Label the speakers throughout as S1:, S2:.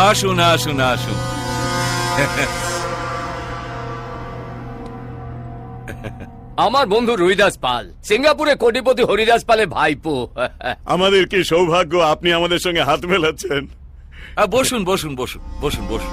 S1: আসুন আসুন আসুন।
S2: আমার বন্ধু রুইদাস পাল, সিঙ্গাপুরে কোটিপতি হরিদাস পালের ভাইপো।
S3: আমাদের কি সৌভাগ্য আপনি আমাদের সঙ্গে হাত মেলাচ্ছেন।
S1: বসুন বসুন বসুন বসুন বসুন।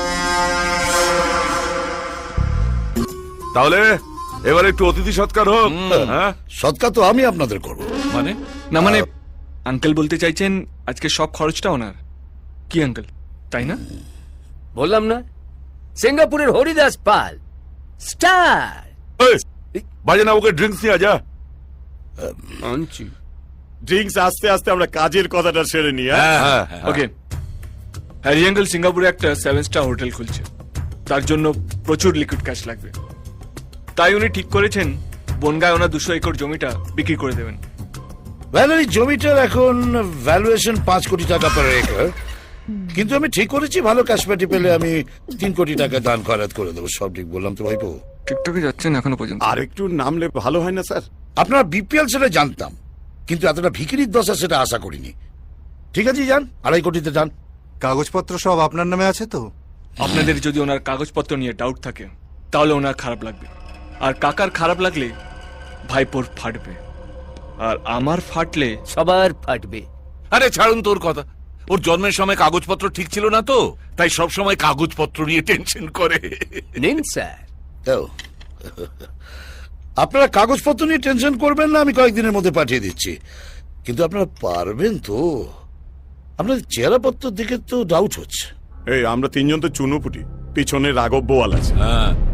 S4: তাহলে এবার একটু অতিথি সৎকার হোক। হ্যাঁ,
S5: সৎকার তো আমি আপনাদের করব।
S1: মানে
S6: না মানে আঙ্কেল বলতে চাইছেন আজকে সব খরচটা ওনার, কি আঙ্কেল তাই না?
S2: বললাম না, সিঙ্গাপুরের হরিদাস পাল স্টার।
S4: এই, বাজে না, ওকে ড্রিঙ্কস নিয়ে যা।
S2: আনছি।
S3: ড্রিঙ্কস আস্তে আস্তে আমরা কাজের কথাটা সেরে নিই।
S1: হ্যাঁ হ্যাঁ হ্যাঁ।
S6: ওকে, হ্যারি আঙ্কেল সিঙ্গাপুরে একটা 7 স্টার হোটেল খুলছে, তার জন্য প্রচুর লিকুইড ক্যাশ লাগবে। তাই উনি ঠিক করেছেন বনগায় ওনার 200 একর জমিটা বিক্রি করে দেবেন।
S5: ভ্যালারি জমিটার এখন ভ্যালুয়েশন 5 কোটি টাকা পার একর, কিন্তু আমি ঠিক করেছি ভালো ক্যাশপ্যাটি পেলে আমি 3 কোটি টাকা দান খয়রাত করে দেবো। সব ঠিক বললাম তো ভাইপো?
S6: টিকটকে যাচ্ছেন এখনো পর্যন্ত?
S3: আর একটু নামলে ভালো হয় না স্যার?
S5: আপনারা বিপিএল সেটা জানতাম, কিন্তু এতটা ভিখিরির দশা সেটা আশা করিনি। ঠিক আছে, যান 2.5 কোটিতে যান।
S7: কাগজপত্র সব আপনার নামে আছে তো?
S6: আপনাদের যদি ওনার কাগজপত্র নিয়ে ডাউট থাকে তাহলে ওনার খারাপ লাগবে, আর কাকার খারাপ লাগলে ভাইপোর ফাটবে, আর আমার ফাটলে
S2: সবার ফাটবে।
S1: আরে ছাড়ুন তোর কথা। ওর জন্মের সময় কাগজপত্র ঠিক ছিল না তো, তাই সব সময় কাগজপত্র নিয়ে টেনশন করে।
S2: নিন স্যার।
S5: ও, আপনারা কাগজপত্র নিয়ে টেনশন করবেন না, আমি কয়েকদিনের মধ্যে পাঠিয়ে দিচ্ছি। কিন্তু আপনারা পারবেন তো? আপনাদের চেহারাপত্র দিকে তো ডাউট হচ্ছে।
S3: এই আমরা 3 জন তো চুনোপুটি, পিছনে রাঘব বোয়াল আছে।
S1: হ্যাঁ